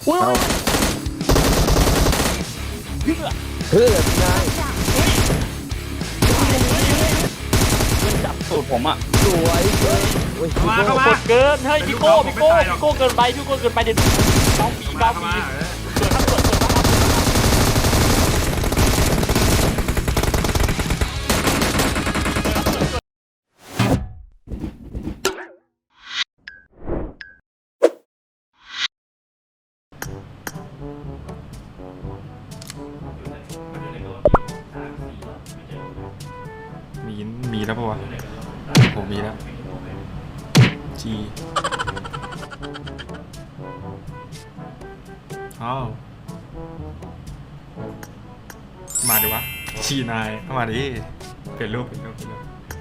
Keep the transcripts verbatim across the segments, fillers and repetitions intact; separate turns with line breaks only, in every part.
อุ้ย
เอา
เพื่อ
เพื่อนนาย
มันจับสูตรผมอ่ะ
สวยเกินโอ้ย
เข้ามาเข้ามา
กดเกินเฮ้ยพี่โก้พี่โก้พี่โก้เกินไปพี่โก้เกินไปเดี๋ยวเก้าปีเก้า
เข้า
ปี
มา
เกิดครับเกิดเกิดครับ
มีมีแล้วปะวะผมมีแล้วจีอ้าวมาดิวะชีนายเข้ามาดิเปลี่ยนรูปเปลี่ยนรูปเปลี่ยนรูป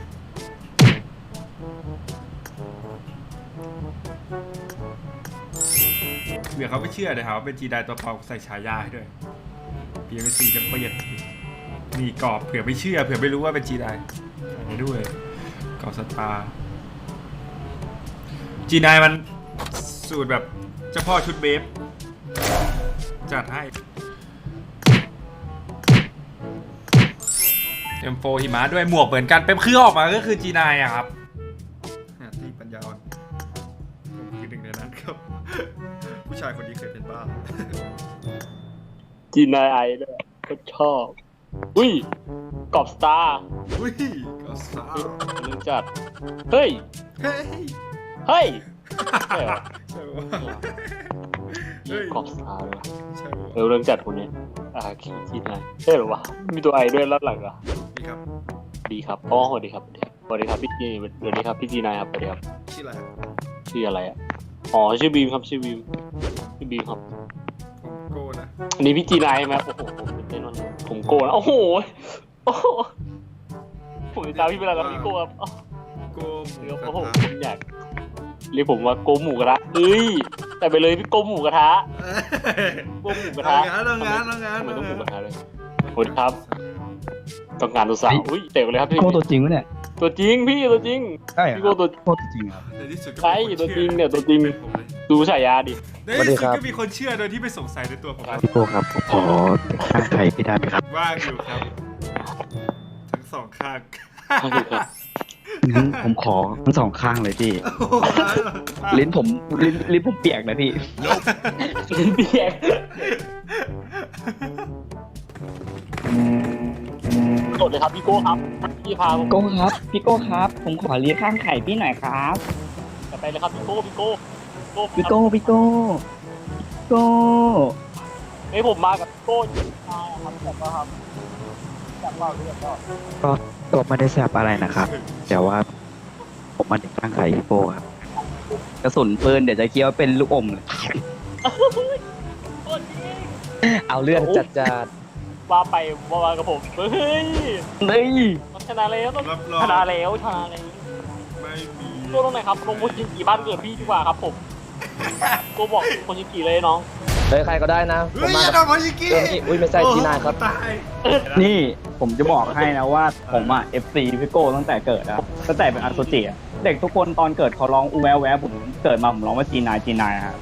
เดี๋ยวเขาไม่เชื่อเลยครับว่าเป็นจีไดตัวปลอมใส่ฉายาให้ด้วยเปลี่ยนเป็นสีกันเปลี่ยนมีกรอบเผื่อไม่เชื่อเผื่อไม่รู้ว่าเป็นจีไดใส่ด้วยกรอบสตาร์จีไดมันสูตรแบบเจ้าพ่อชุดเบฟจัดให้ เอ็ม โฟร์ หิมะด้วยหมวกเหมือนกันเป็นเครื่องออกมาก็คือ จี ไนน์ อะครับที่ปัญญาอ่อนผมคือหนึ่งในนั้นครับ ผู้ชายคนนี้เคยเป็นบ้า
จีนายไอด้วยก็ชอบอุ้ยกอบสตาร์
อุ้ยก็สาว
เรื่องจัดเฮ้ย
เฮ้ย
เฮ้ยใช่เหรอ
ใช่ปะเฮ้ย
กอบสตาร์เลย
ใช่ปะ
เออเรื่องจัดคนนี้อ่าคิดจีนายใช่เหรอวะมีตัวไอด้วยรับหลังเหรอ
นี่ครับ
ดีครับอ๋อสวัสดีครับสวัสดีครับพี่จีสวัสดีครับพี่จีนายครับสวัสดีครับ
ชื่ออะไร
ชื่ออะไรอ่ะอ๋อชื่อบีมครับชื่อบีมชื่อบีมครับ
ผมโก้นะ
อันนี้พี่จีนายใช่ไหมโอ้โหผมตื่นเต้นมากผมโกนะโอ้โหโอ้โหผมติดตามพี่เป็นอะไรครับพี่โกครับ
โก้
เดี๋ยวโอ้โหผมอยากเรียกผมว่าโกหมูกระทะเอ้ยแต่ไปเลยพี่โกหมูกระทะโกหมูกระทะ
ทำงานทำงาน
ทำไม
ทำงาน
ต้องหมูกระทะเลยสวัสดีครับต้องการตัวสาวอุ้ยเตะไปเลยครับพี่
โก้ตัวจริงวะเนี่ย
ตัวจริงพี่ตัวจริง
ใช่เหรอ
พี่โกตัว
โก้ตัวจริงครับ
ในที่สุดก็
ใช่
มีคน
ตัวจริง
ชื่อ
เนี่ยตัวจริง
เป็นผมเลย
ดูฉายาดิ
ในที่สุดก็มีคนเชื่อโดยที่ไม่สงสัยในตัวผม
พี่โก้ครับผมขอข้างใครพี่ได้ไหมครับ
ว่างอยู่ครับ ทั้งสองข้าง
งั้นผมขอทั้งสองข้างเลยพี่ ลิ้นผมลิ้นลิ้นผมเปียกนะพี่
ลิ้นเปียกโดดเลยครับพี่โก้ครับพี่พาผม
โก้ครับ พี่โก้ครับ ผมขอเลี้ยงข้างไข่พี่หน่อยครับ
จะไปเลยครับพี่โก้พี่โก้โก้
พี่โก้พี่โก้โก้
เฮ้ยผมมากับโก้ยิงตายครับแต่ก็ครับแต่ว่าเรื่องก็
ก็ตัวไม่ได้แซบอะไรนะครับ แต่ว่า ผมมาเด็กข้างไข่พี่โก้ครับ กระสุนปืนเดี๋ยวจะเคี้ยวเป็นลูกอมเลย
โก้จริง
เอาเลือดจัดจัด
ว่าไปว่ามากับผมเฮ้ย
เฮ้ย
ชนะแล้วต้อง
รับรอง
ชนะแล้วชนะแล้ว
ไม่มี
โก้ตรงไหนครับลงโคชิงกีบ้านเกิดพี่ดีกว่าครับผมโก้บอกโคชิงกีเลยน้อง
เฮ้ยใครก็ได้นะผ
เฮ้
ม
ย
มา
อย่า
กับ
ทำมายิกี้
เรื่องนี้อุ้ยไม่ใช่จีนายครับ
ตาย
นี่ผมจะบอกให้นะว่าผมอ่ะ เอฟ ซี พี่โก้ตั้งแต่เกิดนะตั้งแต่เป็นอาโซเจียเด็กทุกคนตอนเกิดเขาร้องอูแววแววผมเกิดมาผมร้องว่าจีนายจีนายครับ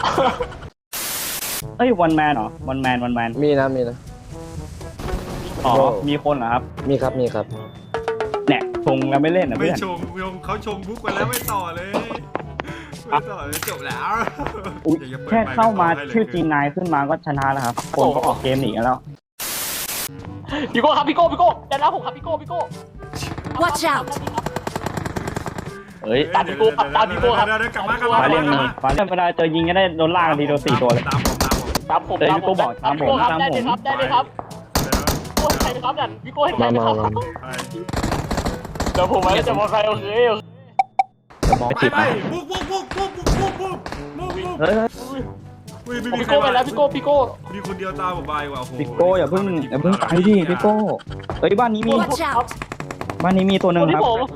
เอ้ยวันแมนเหรอวันแมนวันแมน
มีนะมีนะ
อ๋อ
โอ้
มีคนเหรอครับ
มีครับมีครับ
เนี่ยชงแล้วไม่เล่นนะ
ไม่
เพื่อน
ชงชงเขาชงบุ๊กไปแล้วไม่ต่อเลยไม่ต่อเลยจบแล้ว
อุ๊ย
ดี๋ยวจะปิด
แค่เข้ามา
ให้ลย
ชื่อจีนายขึ้นมาก็ชนะแล้วครับคนก็ออกเกมหนีกันแล้ว
พี่โก้ครับพี่โก้พี่โก้ได้แล้วผมครับพี่โก้พี่โก้
Watch out
เอ้ย
ตามพี่โก้ครับตามพี่โก้ครับ
เดี๋ยวเดี๋ยวกลับมากลับ
ฟ้า
มา
เล่น
กลับ
มี
มา
ฟ้าเล่นเวลาเจอยิงก็ได้โดนล่ากทีเดียวสี่ตัวเลย
ตามผมตามผม
ตามผม
เดี๋ยวพี่โก้บอกตามผม
พี่โก้ครับ
ตาม
ได้
ผม
เลยครับได้เลยครับพี่โก้เห็นใครไหมครับนั่นพี่โก้เห็นใครไหมครับ
มามา
ไป
เดี๋ยวผมไว้จะบอกใครโอเคโอเค
จะมอง
ไป
ติด
ไป
นะ
บุ๊กบุ๊กบุ๊กบุ๊กบุ๊กบุ๊กบุ๊กบุ๊กบุ๊ก
เฮ้ย
อุ้ยไม่
ผม
มี
พี่
ใคร
โก้ไปแล้วพี่โก้พี่โก้
มีคนเดียวตามผมไปว่ะโอ้โห
พี่โก้อย่าเพิ่งอย่าเพิ่งไปดิพี่โก้เฮ้ยบ้านนี้มี
Watch out
บ้านนี้มีตัวหนึ่ง
คน
ค
ที่
รับ
ผม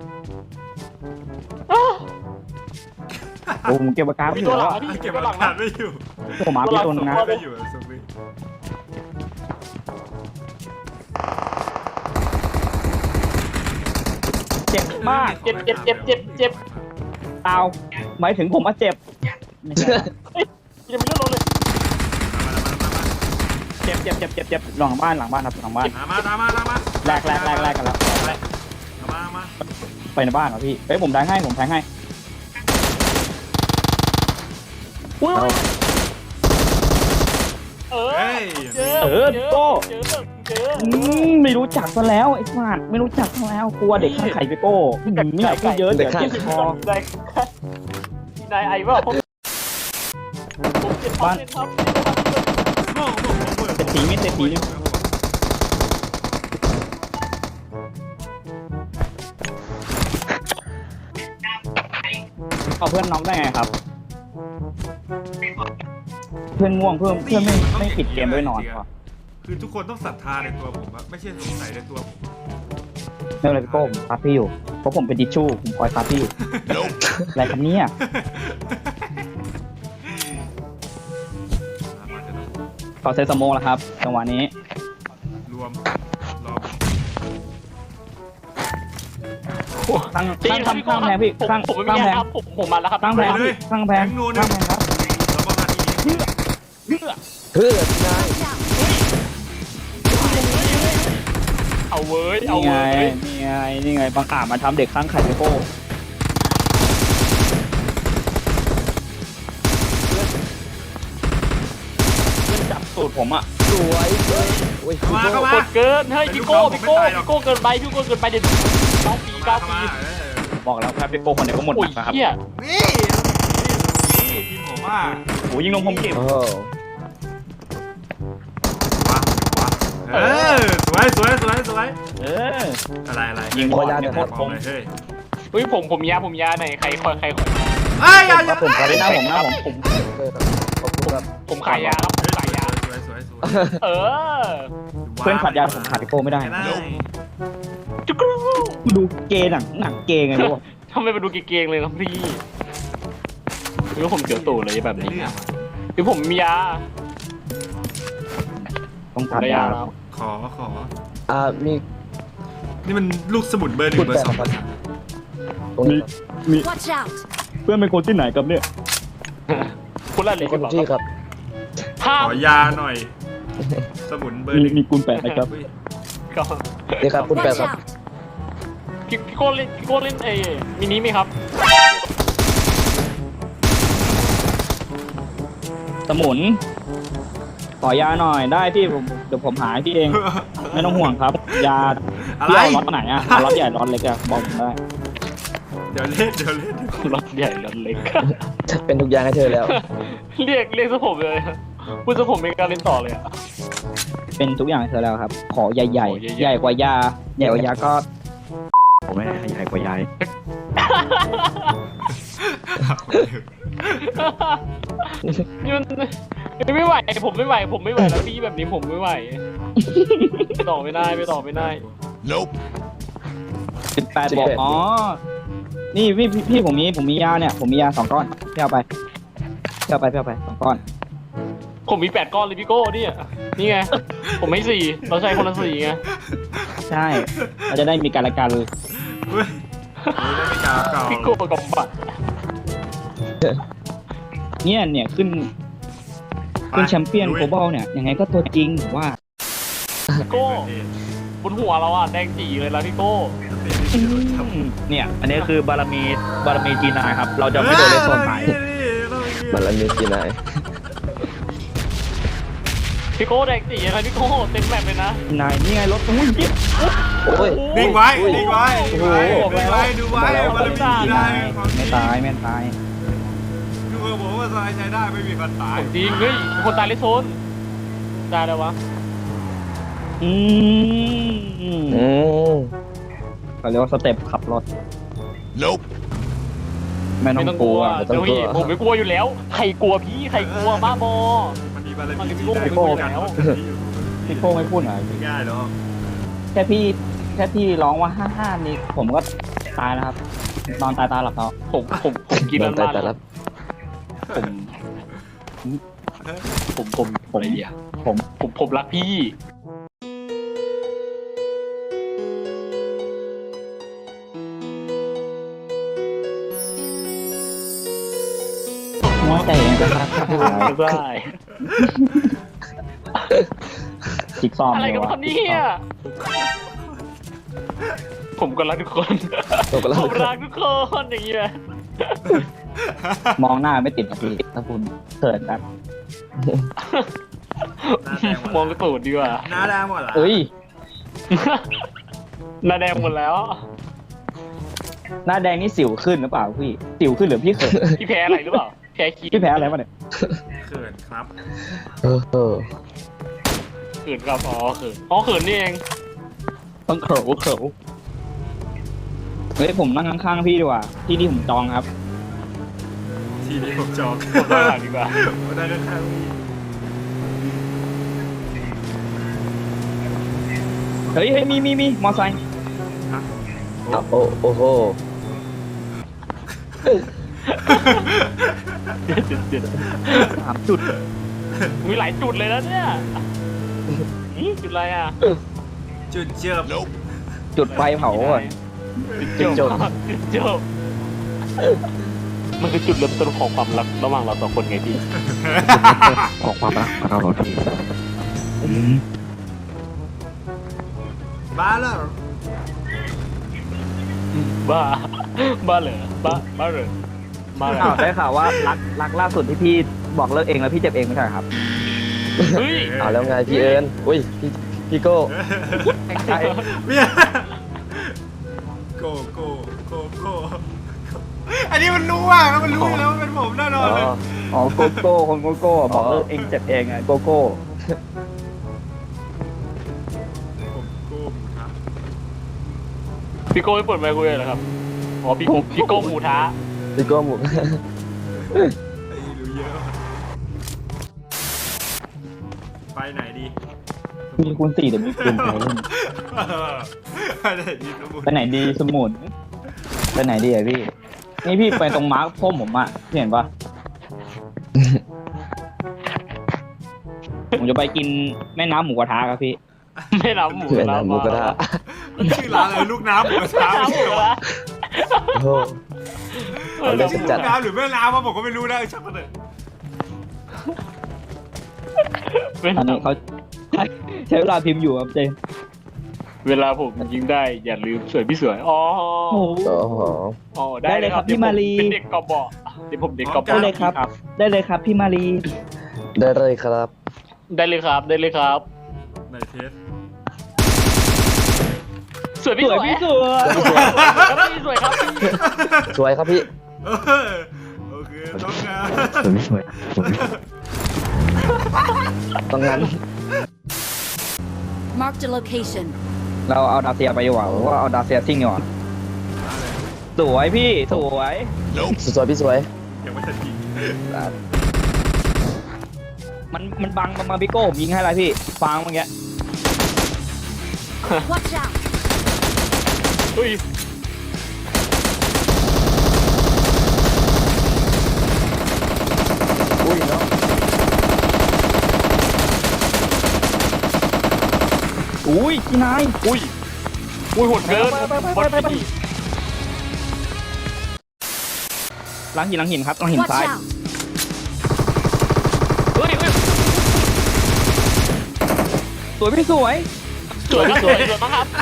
อ้าว
โอ้ผมเก็บปากกาไม่
มี
อ
ตัว
ยู่
หลั
แล้
ง
ว
นะพี่
เก็บ
ตัว
ห
ห
ลั
ลั
ก
ง
ฐา
นะ
นไม่อยู่
ผมมาพี่ตัวหนึงนะ
ไม่อยู่สมิ
เจ็บมาก
เจ็บเจ็บเจ็บเจ็บเจ็บ
เอาหมายถึงผมมาเจ็บไม่ใช่
ยังไม่เลือดลงเลย
เจ็บเจ็บเจ็บเจ็บเจ็บหลังบ้านหลังบ้านครับหลังบ้าน
ตามมาตามมาตามมา
แลกแลกแลกแลกกันแล้ว
ตามมาตามมา
ไปในบ้านเหรอพี่เฮ้ยผมแทงให้ผมแทงให้อุ้ย
เออ
เฮ้ย
เจอ
เออโก้
เจอเจอ
อืมไม่รู้จักซะแล้วไอ้สัตว์ไม่รู้จักซะแล้วกลัวเด็กข้างไข่พี่โก้ไม่อยากพูดเยอะเดี๋ยวเจ็บคอ
ได้ที่นายไอ้ว่าผมผมเจ็บบ้านครับ
โม่โม่โม่
เศรษฐีไม่เศรษฐีนี่เอาเพื่อนน้องได้ไงครับ เพื่อนง่วงเพื่อนเพื่อนไม่ไม่ปิดเกมด้วยนอนว่ะ
คือทุกคนต้องศรัทธาในตัวผมอะไม่ใช่สงสัยในตัวผม
ไม่เป็นไรพี่โก้ผมซับพี่อยู่เพราะผมเป็นทิชชู่ผมคอยซับพี่อยู่อะไรครับเนี่ยต่อเซตสโมแล้วครับจังหวะนี้
รวมรอ
ตั้งตั้งทำข้างแพงพี่ข้าง
ผมไม่
ข้าง
มี
แพง
ครับผมผมมาแล้วครับ
ข้างแพงพี่ข้างแพงข้างแพงครับ
แล้วก็มาทีนี้
เพื่อ
เพื่อที่นาย
Watch out!
เอาเว้ยเอา
นี่ไง
เว้ย
นี่ไงนี่ไงบังอาจมาทำเด็กข้างไข่พี่โก้เพื่อนจับสูตรผมอ่ะ
สวยเลยโอ้ย
เข้ามาเข้ามาก
ดเกินเฮ้ยพี่โก้พี่โก้พี่โก้เกินไปพี่โก้เกินไปเดี๋ยวเก้าปีเก้า
เข้า
ปี
มา
บอกแล้วครับพี่โก้คนเดียวก็หมด
โอ้
ห
ย
นักนะครับ
เหี้ย
นี่นี่ทีมผมว่า
โอ้ยิงลงผมเก็บ
โอ้
ว้าว้าเออสวยสวยสวยสวย
เออ
อะไรอะไร
ยิงบอลเนี่ยหมด
ผ
ผม ม
เลยเฮ้ย
เฮ้ยผมผมยาผมยาไหนใครคอยใครคอย
เอ้ยอย่าอ
ครั
ย่า
บผมครับ
หน้าผมหน้าผมผม
ขอบคุณครับ
ผมขายยาครับผมขายยา
สวยสวยสวย
เออ
เพื่อนขาดยาผมขาดพี่โก้ไม่ได้
ไม่ได้
จุกรู
ดูเกย์หนังหนังเกย์ไงรู้ป่ะ
ทำไมมาดูเก่งๆเลยครับพี่หรือว่าผมเจอตู่เลยแบบนี้
เรื่อง
คือผมมียา
ต้อง
ผม
ขาด
ได้
ยาย
าแล้ว
ขอขอ
อ่ามี
นี่มันลูกสมุนเบอร์หนึ่งเบอร์สองเบอร์สาม
ตรงนี้ครับ
มี
Watch out!
เพื่อนเป็นคนที่ไหนครับเนี่ย
คุณละเลย
คนที่ครับ
ห้า
ข
ม
อยาหน่อย สมุนเบอร์
มี
หนึ่ง
มีกุลแปดนะครับ
อุ้ย
ก็
นี่ครับคุณแปด
Watch
ครับ
out!
พี่พี่โก้เล่นพี่โก้เล่นเอมินิไหมครับ
สมุนขอยาหน่อยได้พี่ผมเดี๋ยวผมหาให้พี่เอง ไม่ต้องห่วงครับ ยา
อะไร
พี่เอาล็อตไหนอ่ะเอาล็อตใหญ่ล็อตเล็กอะบอกผมได้
เดี๋ยวเล่นเดี๋ยวเล่น
รถใหญ่รถเล็ก
เป็นทุกอย่างให้เธอแล้ว
เรียกเรียกซะผมเลยพูดซะผมเป็นการเล่นต่อเลยอะ
เป็นทุกอย่างให้เธอแล้วครับ ขอใหญ่ใหญ่
ขอใหญ่ๆ
ใหญ่กว่ายาใหญ่กว่ายาก็ผมไม่ให้ใหญ่กว่ายา
นี่มันไม่ไหวผมไม่ไหวผมไม่ไหวแล้วพี่แบบนี้ผมไม่ไหวไปต่อไม่ได้ไปต่อไม่ได้
สิบแปดบอกอ๋อนี่พี่พี่พี่ผมมีผมมียาเนี่ยผมมียาสองก้อนพี่เอาไปพี่เอาไปพี่เอาไปสองก้อน
ผมมีแปดก้อนเลยพี่โก้เนี่ยนี่ไงผมให้สี่เราใช้คนละสี่ไง
ใช่เราจะได้มีการละกัน
เฮ้ยได้ไม่กาวเก่า
พี่โก้กับบัตร
เนี่ยเนี่ยขึ้นขึ้นแชมเปี้ยนโกลบอลเนี่ยยังไงก็ตัวจริงผมว่า
พี่โก้บนหัวเราอ่ะแดงจีเลยแล้วพี่โก้
เนี่ยอันนี้คือบารมีบารมีจีนายครับ เราจะไม่โดนเลสโซนหาย
มันละมีกี่นาย
พี่โก้แดงจีอะไรพี่โก้เต็มแมปเลยนะ
นายนี่ไงรถอุ้ยพี่
โอ้ย
นิ่งไว้นิ่งไว้
โอ้
นิ่ง
โห
ไว้นิ่งไว้ดูไว้มันจะมีได้
ไม่ตายไม่ตาย
ดูเออผมว่าสบายใจได้ไม่มีคนตาย
จริงเฮ้ยคนตายเลยโซนตายแล้ววะ
อืม
อืม
เขาเรียกว่าสเต็ปขับรถ
Nope
ไม่
ไม่
ต้
ต้
อ
อง ง
ก
ก
ลั
ลั
ว
วเดี๋ยวพี่ผมไม่กลัวอยู่แล้วใครกลัวพี่ใครกลัวบ้าบอ
มันมีบารมี
มันมี
ที่
โลก
ได้
มีโลกแล้ว
พี่โก้ไม่พูดหน่อย
ไม่ง่ายหรอก
แค่พี่แค่พี่ร้องว่าห้าห้านี่ผมก็ตายแล้วครับ นอนตายตาหลับแล้ว
ผมผมผมกิน
โด
มัน น
ตาย
มา
แต่ละ
ผมผมผมผมอะไรเดียผมผมผมรักพี่
หัวใจเองก็รักครับ
ได้
จิ๊กซอว์
อะไร
เล
กั
ย
บ
วะ
คนนี้อ่ะผมก็รักทุกคน
ผมก็รัก
ผมรักทุกคนอย่างเงี้ย
มองหน้าไม่ติดนะพี่ถ้าคุณเขินแบบ
มองกระตูดดีกว่า
หน้าแดงหมดเหรอ
เอ้ย
หน้าแดงหมดแล้ว
หน้าแดงนี่สิวขึ้นหรือเปล่าพี่สิวขึ้นหรือพี่เขิน
พี่แพ้อะไรหรือเปล่าแพ้ขี้
พี่แพ้อะไรมาเนี่ย
เขินครับ
เออเออ
เขินครับอ๋อเขินอ๋อเขินนี่เอง
ต้องเขินเขินเฮ้ยผมนั่งข้างๆพี่ดีกว่าที่นี่ผมจองครับ
ทีนี้ผมจอง
ผมว่าหลังดีกว่า
ผมได้ข้างๆพี่
เฮ้ยเฮ้ยมีมีมีมอไซค์
ฮะ
อ่ะโอ้โอ้โห
เด็ดเด็ดเด็ด
สามจุด
มีหลายจุดเลยนะเนี่ยนี่จุดอะไรอ่ะ
จุดเจิบ
จุดไฟเผาก่อน
จุดจบจุดจบมันคือจุดเริ่มต้นของความรักระหว่างเราสองคนไงพี่
ของความรักของเราเหรอพี่
บ้าแล้ว
บ้าบ้าเหรอบ้าบ้าเหรอบ้าเหร
อ้าว
อ
ได้ข่าวว่ารักรักล่าสุดที่พี่บอกเลิกเองแล้วพี่เจ็บเองไม่ใช่เหรอครับ
เฮ้ย
เอาแล้วไงพี่เอิญอุ้ยพี่พี่โก้
ใช่
เมียโกโก้โกโก้อันนี้มันรู้อ่ะมันรู้อยู่แล้วว่าเป็นผมแน่นอน
อ๋อ
เลย
อ๋อโกโก้คนโกโก้บอกเลิกเองเจ็บเองไงโกโก้
ผมโก้ครับ
พี่โก้ไม่เปิดไมค์คุยเลยเหรอครับอ๋อพี่โก้พี่โก้หมูท้า
พี่โก้หมุก
ไอ้รู้เยอะไปไหนดี
มีคูณสี่เดี๋ยวมีคูณไปเล่น
ไปไหนดีสมุน
ไปไหนดีสมุนไปไหนดีอะพี่ นี่พี่ไปตรงมาร์คพ่มผมอะพี่เห็นปะ ผมจะไปกินแม่น้ำหมูกระทะครับพี่
ไม่รับหมู
เพื่อน
รับ
หมูกระทะ
ชื่อร้านอะไรลูกน้ำหมูกระทะ
น้ำหมูกระทะ
โอ้โห เอาเลย
ลูก
จัด
น้ำหรือแม่น้ำวะผมก็ไม่รู้นะเออช่างมันเถอะ
เป็น
อันนี้เขาใช้ใช้เวลาพิมพ์อยู่ครับเจน
เวลาผมยิงได้อย่าลืมสวยพี่สวยอ๋อ
โอ้โห
โอ้โห
อ๋อ
ได้เลยครับพี่มารี
เป็นเด็กกอบอเดี๋ยวผมเด็กกอบอ
ได้เลยครับ ได้เลยครับพี่มารี
ได้เลยครับ
ได้เลยครับได้เลยครับ
ในเทส
สวยพี่
ส
ส
ว
วย ย
พี่สวย
ครับพี่สวยครับพี่
สวยครับพี่
เออโอเคต้องการ
สวยพี่สวย
ต้องงั้น
Marked a location.
เราเอาดาเซียไปดีกว่าหรือว่าเอาดาเซียซิ่งดีกว่าสวยพี่สวย
สวยพี่สวย
ยังไม่ทันยิง
มันมันบังมาพี่โก้ผมยิงให้อะไรพี่ฟางเมื่อกี้
Watch out!
เฮ้ย
อุ้ยเนาะ
อุ้ยพี่นาย
อุ้ยอุ้ยโหดเกิน
ไปไปไป
บอล
ไปไป
พี่
หลังหินหลังหินครับหลังหิน
Watch
ซ้าย
out!
เฮ้ยเฮ้ย
สวยพี่สวย
สวยครับสวยสวยมากครับ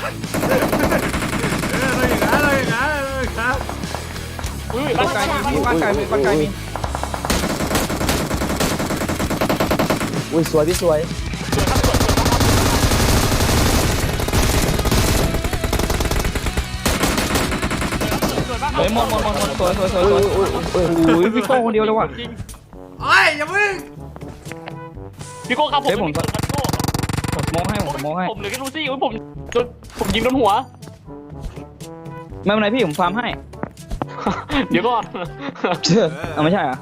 เอออะไรอย่างนั้นอะไรอย่างนั้นอะไรอย่างนั้น
อุ้ย
บ้านไกลมีบ้านไกลมีบ้านไกลมี
อุ้ยสวยพี่สวย
สวยครับสวยสวยมากครับ
เฮ้ยหมดหมดหมดหมดสวยสวยสวยสวย
อุ้ยอุ้ยอุ้ย
โอ้ยพี่โก้คนเดียวเลยว่ะ
จริง
โอ้ยอย่าเพิ่ง
พี่โก้ครับผม
เฮ้ยผม
เป็นพี่โก้
ผมโมให้ผมโมให้
ผมเหลือแค่ลูซี่อุ้ยผมจนผมยิงโดนหัว
ไม่เป็นไรพี่ผมฟาร์มให้
เดี๋ยวก่อน
เอาไม่ใช่เหรอ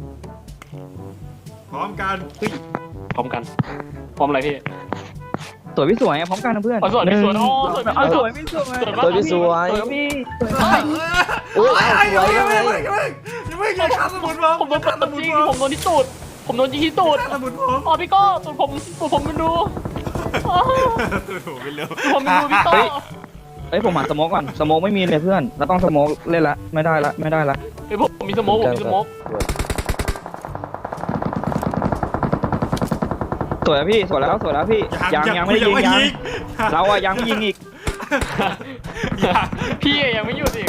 พร้อมกัน
พร้อมกัน พร้อมอะไรพี่
สวยพี่สวยพร้อมกันนะเพื่อน
อ๋อสวยพี่สวย
หนึ่ง
อ๋อสวยพี่สวย
เอาสวยพี่สวย
สวย
ส
มาก
วยพี่สวย
สวยพี่
อุ้ย
โอ้ย
เอาสวย
อย่า
ยังไง
เพิ่งอย่าเพิ่งอย่าเพิ่งอย่าขับสมุนผม
ผมโดน
ขับส
ตัด
มุน
จริง
ผม
ผมโดนที่ตูดผมโดนยิงที่ตูด
สมุนผม
อ๋อพี่โก้ตูดผมตูดผมมันดูอ๋อ
ตัวถูกไปเร็ว
ตูดผมมันดูพี่โก้
เฮ้ยผมหาสโมกก่อนสโมกไม่มีเลยเพื่อนเราต้องสโมกเล่นละไม่ได้ละไม่ได้ละ
เฮ้ยผมมีสโมกผมมีสโมก
สวยแล้วพี่สวยแล้วสวยแล้วพี่ยังยังไม่ได้ยิงยังเราอะยังไม่ยิงอีก
ยัง
พี่ยังไม่หยุดอีก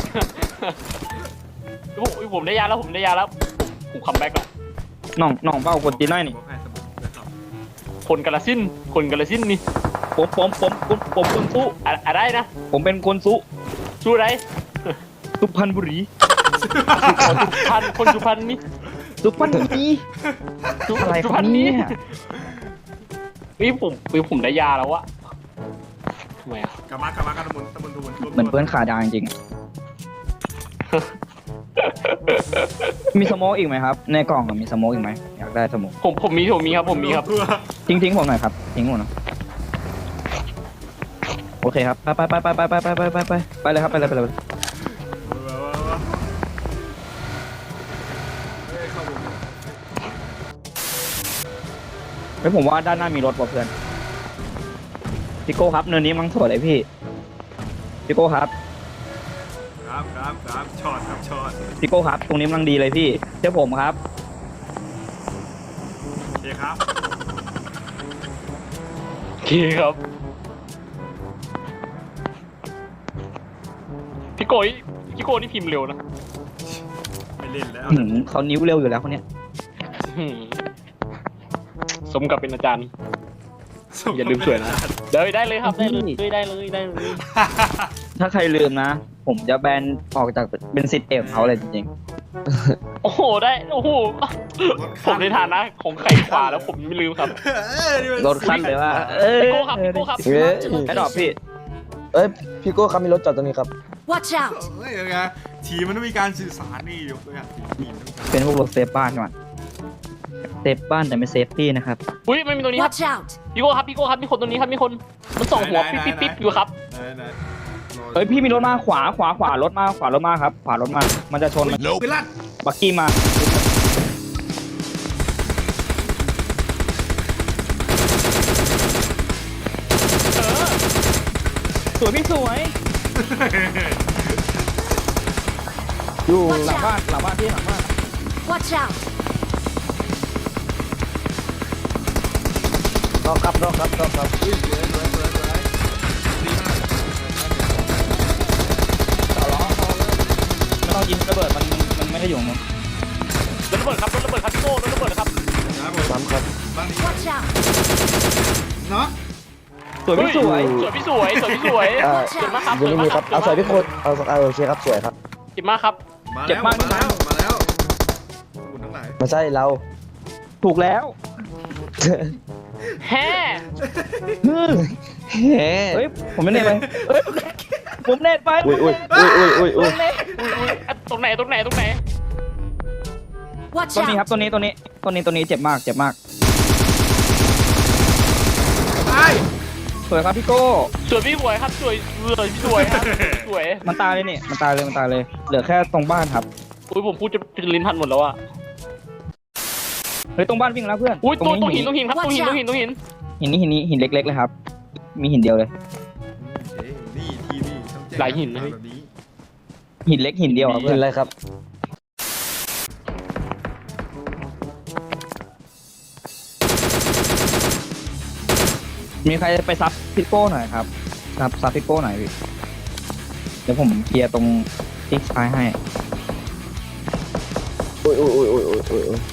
ผมผมได้ยาแล้วผมได้ยาแล้วผมผมคัมแบ็กแล้ว
น้องน้องเป้าคนจีนได้นี่
บอกให้สมุนไพรครับ
คนกาลสินธุ์คนกาลสินธุ์นี่
ผมผมผมผมผมคนสู้
อะอะไรนะ
ผมเป็นคนสู้
สู้ไร
สุพรรณบุรี
คนสุพรรณคนสุพรรณนี่
สุพรรณบุรี
สุ
อะไร
สุ
ค
พ
รั
ร
บ
รณ
เนี่
นี่
ย
นี่ผมผมได้ยาแล้วอะทำไมอะ
กลับมากลับมากันสมุนสมุนสมุน
เหมือนเพื่อนขาดาจริงๆ มีสโมกอีกไหมครับ ในกล่องอะมีสโมกอีกไหมอยากได้สโมก
ผมผมมีผมมีครับผมมีครับ
ทิ้งทิ้งผมหน่อยครับทิ้งผมหน่อยโอเคครับไปไปไปไปไปไปไปไปไปไปเลยครับไปเลยไปเลย เฮ้ยผมว่าด้านหน้ามีรถว่ะเพื่อนพี่โก้ครับเนินนี้มั้งสวยเลยพี่พี่โก้ครับ
ครับครับครับช็อตครับช็อต
พี่โก้ครับตรงนี้มันดีเลยพี่เจ้าผมครับ
โอเคครับ
โอเคครับพี่โกยพี่โกนี่พิมพ์เร็วนะ
ไม่เล่นแล้ว
หืมเขานิ้วเร็วอยู่แล้วคนเนี้ย
อืมสมกับเป็นอาจารย์ อย่าลืมสวยนะได้ได้เลยครับได้เลยได้เลยได้เลย
ถ้าใครลืมนะ ผมจะแบนออกจากเป็นสิทธิ์เอกเขาเลยจริง
โอ้โหได้โอ้โหผมในฐานะของไข่ขวาแล้วผมยังไม่ลืมครับ
ๆรถขั้นเลยว่าเอ้ย
พี่โก้ครับพี่โก้ครับ
เฮ้ย
ไอ้ดอกพี่
เอ้ยพี่โก้ครับมีรถจอดตรงนี้ครับ
Watch out!
เฮ้ยยังไงทีมมันต้องมีการสื่อสารนี่ยกตัวอย่างทีมต้องมีการ
เป็นพวกรถเซฟบ้านก่อนเซฟบ้านแต่ไม่เซฟตี้นะครับ
อุ้ยไม่มีตัวนี้ครับ
Watch out!
พี่โก้ครับพี่โก้ครับมีคนตัวนี้ครับมีคนมันส่องหัวปิ๊บปิ๊บปิ๊บอยู่ครับ
ไหนไหน
เฮ้ยพี่มีรถมาขวาขวาขวารถมาขวารถมาครับ ขวารถมา มันจะชนมัน
ไปลั่น
บักกี้มา สวยพี่สวย
อยู่
หลังบ้านหลังบ้านพี่หลังบ้าน
Watch out!
รอบครับรอบครับรอบครับ
อุ้ยสวยสวยสวยสวยดีมาก
ไม่ต้องยิงระเบิดมันมันมันไม่ได้อยู่มั้ง
รถระเบิดครับรถระเบิดครับพี่โก้รถระเบิดครับ
ครับผม
ซ้ำครับ
บ้านนี้
Watch out!
เนาะ
สวยพี่สวย
สวยพี่สวยสวยพี่สวย
อ่า
เจ็บมากครับ
อยังไม่มีครับเอาสวยพี่โก้เอาเอาโอเคครับสวยครับ
เจ็บมากครับ
มา
เจ็
แล้
บ
ว
มาก
มาแล้วมาแล้วคุณทั้งหลาย
ไม่ใช่เรา
ถูกแล้ว
แฮ่
เฮ้
เฮ้ยผมไม่เน็ตไปเฮ้ยผมเน็ตไป
อุ้ยอุ้ยอุ้ยอุ้ยอุ้ยอุ้ย
อุ้ยอุ้ยอ่ะตรงไหนตรงไหนตรงไหน
Watch
ตัวนี้ครับ
out!
ตัวนี้ตัวนี้ตัวนี้ตัวนี้เจ็บมากเจ็บมาก
ไอ้
สวยครับพี่โก้
สวยพี่สวยครับสวยสวยพี่สวยครับสวย
มันตายเลยนี่มันตายเลยมันตายเลย เหลือแค่ตรงบ้านครับ
อุ้ยผมพูดจะจะลิ้นพันหมดแล้วอะ
เฮ้ยตรงบ้านวิ่งแล้วเพื่อน
อุ้ยตัวตรงหิน
หิ
ตรงหินครับตรงหินตรงหินตรงหิน
หินนี้หินนี้หินเล็กๆเลยครับ มีหินเดียวเลย
เฮ้ยนี่ทีนี่ต้องแจ้ง
หลายหินนะพี่
แบบนี้
หินเล็กหินเดียวครับ
เห็
เพื่อน น
อะไรครับ
มีใครไปซับพี่โก้หน่อยครับซับซับพี่โก้หน่อยพี่เดี๋ยวผมเคลียร์ตรงติ๊กซ้ายให้
อุ้ยอุ้ยอุ้ยอุ้ยอุ้ยอุ้ยอุ้ย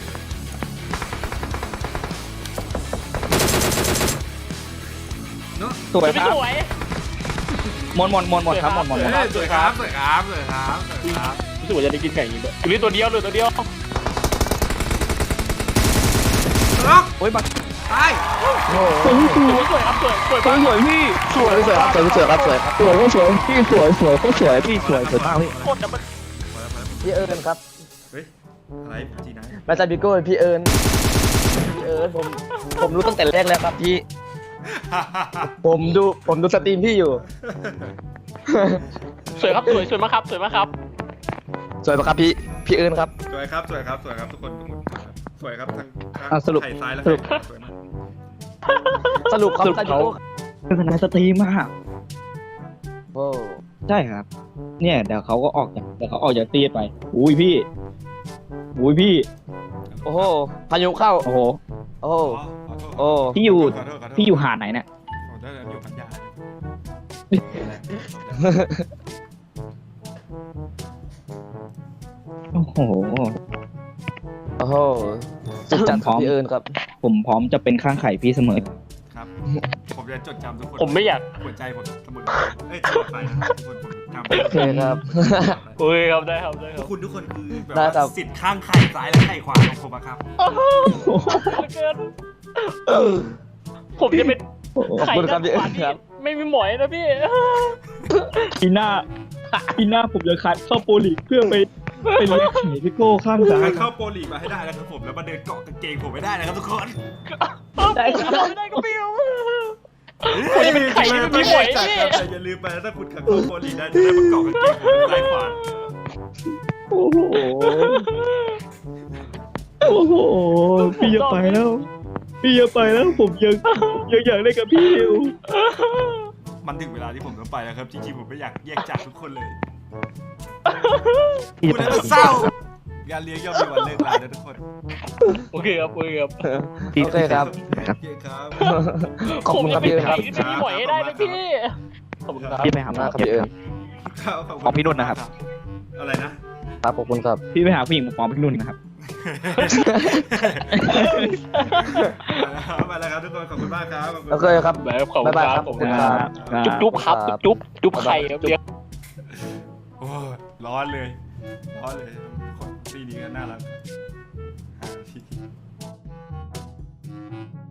เนาะ
สวย
พี่
ครับ
สวย
หมดหมดหมดหมดครับหมดหมดหมด
เฮ้ยสวยครับสวยครับสวยครับสวยครับ
พี่สวยจะได้กินไก่อย่างนี้ด้วยอยู่นี่ตัวเดียวเลยตัวเดียว
ล็อก
โอ้ยบัก
ตาย
โอ้โห
สวยครับสวยสวย
สวยสวยพี่
สวยสวยครับสวยสวยครับสวยครับสวยก็สวยพี่สวยสวยก็สวยพี่สวยสวยมากพี่
โคตรดับเบิล
พี่เอิญครับ
เฮ้ยอะไรจีนาย
ไม่ใช่พี่โก้พี่เอิญพี่เอิญผมผมรู้ตั้งแต่แรกแล้วครับพี่ผมดูผมดูสตรีมพี่อยู่
สวยครับสวยสวยมากครับสวยมากครับ
สวยปะครับพี่พี่เอิญครับ
สวยครับสวยครับสวยครับทุกคนทุกคนสวยครับทั้งทั้ง
อ่ะสรุป
ไข่ซ้ายและ
สรุป
ไข่ขวาสวยมาก
สรุปครับ
สรุป
พี่
เขา
โก้
เป็นคณะสตรีมมาก
โอ้
ใช่ครับ เนี่ยเดี๋ยวเขาก็ออกจากเดี๋ยวเขาออกจากตีไปอุ้ยพี่อุ้ยพี่
โอ้โหพายุเข้า
โอ้โห
โอ้โห
อ๋อ
โอ้
พี่อยู่
ขอโทษขอโทษ
พี่อยู่หาดไหนเนี่ย
ผมได้อยู่พัทยา
โอ้โห
โอ้โหสุดจัดครับพี่เอิญครับ
ผมพร้อมจะเป็นข้างไข่พี่เสมอ
ครับ ผมจะจดจำทุกคน
ผมไม่อยาก
หัวใจผมเสมอเอ้ยเสมอไปนะทุกคนผมจำ
โอเคครับ
โอ้ยครับได้ครับได้ค
ทุ
รั
ก
บ
คุณทุกคนคือแบบ
ได้ครั
ว่า
บ
สิทธิ์ข้างไข่ซ้ายและไข่ขวาของผมอะครับ
เกินผมจะเป็น
ขอบคุณครับพี่เอิญครับ
ไม่มีหมอยนะพี่
ปีหน้าปีหน้าผมจะคัดเข้าโปรลีกเพื่อไปไปเลี้ยงไข่พี่โก้ข้างซ้าย
ให้เข้าโปรลีกมาให้ได้นะครับผมแล้วมาเดินเกาะกางเกงผมไม่ได้นะครับทุกคน
ได้ครับ
ได้ก็พี่ผมจะเป็นไข่ที่ไม่มีหมอย
จัด
พี่
ครับแต่อย่าลืมไปนะถ้าคุณขับเข้าโปรลีกได้จะได้มาเกาะกางเกงผมซ้ายขวา
โอ้โหโอ้โหพี่อย่าไปแล้ว พี่อย่าไปแล้วผมยังยังอยากเล่นกับพี่อยู่
มันถึงเวลาที่ผมต้องไปแล้วครับจริงๆผมไม่อยากแยกจากทุกคนเลย
พี่
คุณ
จะไป
น่าเศร้างานเลี้ยงย่อมมีวันเลิกลานะทุกคน
โอเคครับโอเคครับ
โอเคครับ
โอเคครับ
ขอบคุณครับพี่เอิญครับ
ผมจะเป็นไข่ที่ไม่มีหมอยให้ได้นะพี่ขอบคุณครับ
พี่ไปหาหม
มา
อก
ครับพี่เอิญ
ครับขบณ
ของพี่นุ่นนะครับ
อะไรนะ
ครับขอบคุณครับ
พี่ไปหาผู้หญิงมาฟ้องพี่นุ่นนะครับ
มาแล้วครับทุกคนขอบคุณมากครับขอบคุณ
โอเคครับ
แบบขอบคุณ
บ๊ายบาย
ค
ครั
รับบ ขอบคุณค
ครั
รับบ
ครับ
จุ๊บจุ๊บครับจุ๊บจุ๊บจุ๊บไข่ครับเลี้ยง
โอ้ยร้อนเลยร้อนเลยคนปีนี้ก็น่ารักหาที่